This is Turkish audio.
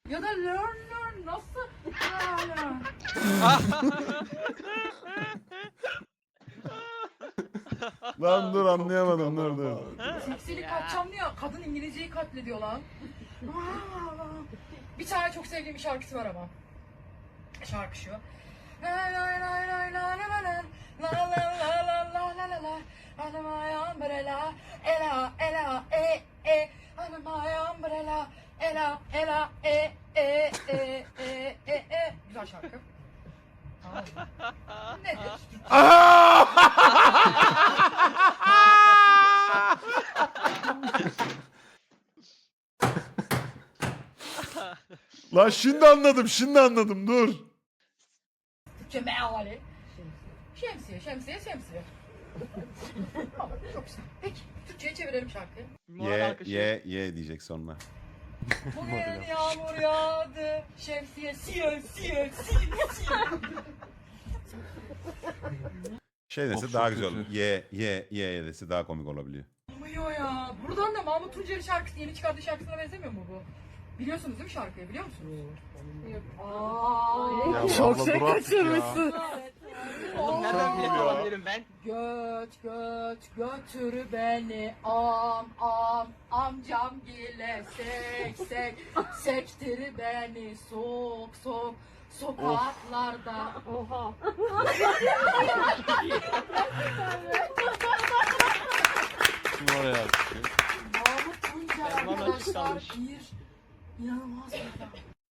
Ya da learn nasıl? Lan dur anlayamadım dur. Seksilik katacağım diye kadın İngilizceyi katlediyor lan. Bir tane çok sevdiğim bir şarkısı var ama. Şarkı şu. La la la la la la la la la la la la la la la under my umbrella ela ela e under my umbrella ela ela e. Güzel şarkı. Tamam mı? Nedir? Lan şimdi anladım dur. Türkçe meali. Şemsiye. Tamam, çok güzel. Peki, Türkçe'ye çevirelim şarkıyı. Ye diyecek sonra. Bugün yağmur yağdı, şemsiye siye. Şey dese Of, daha çok güzel olur. kötü. Ye dese daha komik olabiliyor. Olmuyor ya. Buradan da Mahmut Tuncer'in şarkısı, yeni çıkardığı şarkısına benzemiyor mu bu? Biliyorsunuz değil mi şarkıyı, biliyor musunuz? Çok şey kaçırmışsın. Nereden bilet alabilirim ben? Götür beni amcam gile sektir beni sok sokaklarda. Oha. Kim oraya atıyor? Mahmut Tuncer Bana arkadaşlar çıkarmış. bir inanılmaz bir adam.